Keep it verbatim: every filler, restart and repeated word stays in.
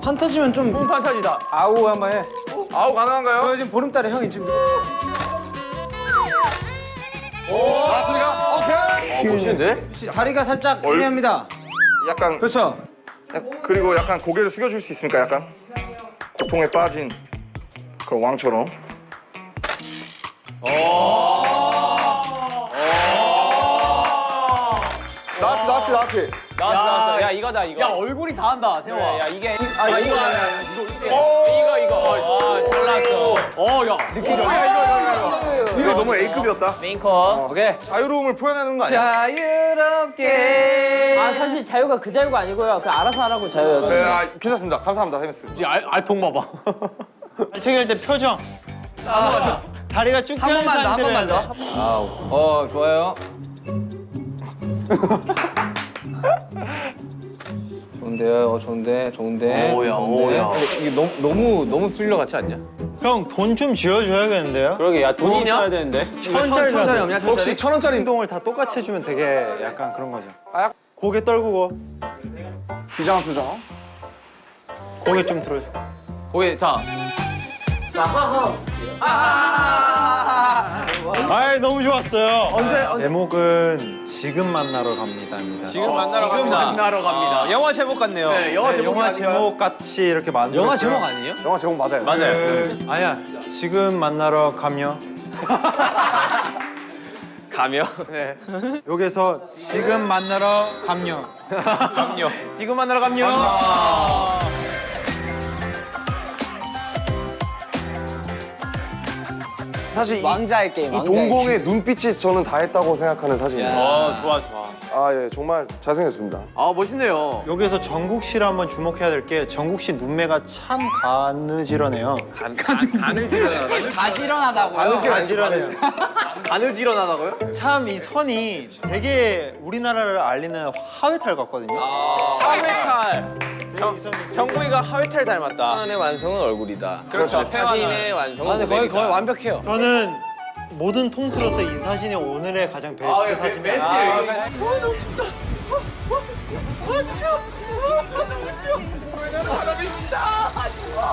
판타지면 좀 뽕 판타지다. 아우 한번 해. 아우 가능한가요? 저 지금 보름달에 형이 지금 나왔습니까? 오케이. 어, 멋있는데? 다리가 살짝 얼- 애매합니다. 약간 그렇죠? 그리고 약간 고개를 숙여줄 수 있습니까? 약간 고통에 빠진 그런 왕처럼. 나치 나치 나치. 나왔어, 나왔어. 야, 이거다, 이거. 야, 얼굴이 다 한다, 태호아. 야 이게 아, 이거, 이거, 이거, 이거. 아, 잘 나왔어. 어, 야. 느끼죠? 야, 이거, 이거, 이거. 이거 너무 A급이었다. 메인컷. 오케이. 자유로움을 표현하는 거 아니야? 자유롭게. 아 사실 자유가 그 자유가 아니고요. 그 알아서 하라고 자유였어요. 네, 아, 괜찮습니다. 감사합니다, 헤메스. 이 알, 알통 봐봐. 발차기 할 때 표정. 다리가 쭉 한 펴는 번만 더, 한 번만 더. 아우. 어 좋아요. 좋은데요, 어 좋은데, 좋은데. 오야, 좋은데. 오야. 근데 이게 너무 너무 너무 스릴러 같지 않냐? 형, 돈 좀 지어줘야겠는데요? 그러게, 야, 돈이 있어야 되는데. 천짜리 천짜리 없냐? 천짜리? 혹시 천 원짜리 운동을 다 똑같이 해주면 되게 약간 그런 거죠. 아, 약- 고개 떨구고 비장한 표정. 고개 좀 들어줘. 거기, 자. 아이 너무 좋았어요. 언제, 언제? 제목은 지금 만나러 갑니다입니다. 지금 만나러 지금 갑니다. 만나러 갑니다. 아, 영화 제목 같네요. 네, 영화 네, 제목이 영화 아닌가요? 제목 같이 이렇게 만들어. 영화 제목 아니에요? 영화 제목 맞아요. 맞아요. 그, 아니야. 지금 만나러 가며. 가며. 네. 여기서 지금 만나러 가며. 가며. 지금 만나러 갑니다. 사실 이, 왕자의 게임. 이 동공의 눈빛이 저는 다 했다고 생각하는 사진이에요. 어, 좋아, 좋아. 아, 예, 정말 잘생겼습니다. 아 멋있네요. 여기서 정국 씨를 한번 주목해야 될 게 정국 씨 눈매가 참 가느지러네요. 가지런하다고요. 바느질 안 가느지러네요. 가느지런하다고요? 참 이 선이 되게 우리나라를 알리는 하회탈 같거든요. 하회탈. 이 선이 정국이가 하회탈 닮았다. 사진의 완성은 얼굴이다. 그렇죠. 사진의 완성은 아, 근데 거의 거의 완벽해요. 저는 모든 통틀어서 이 사진이 오늘의 가장 베스트 사진이에요. 아,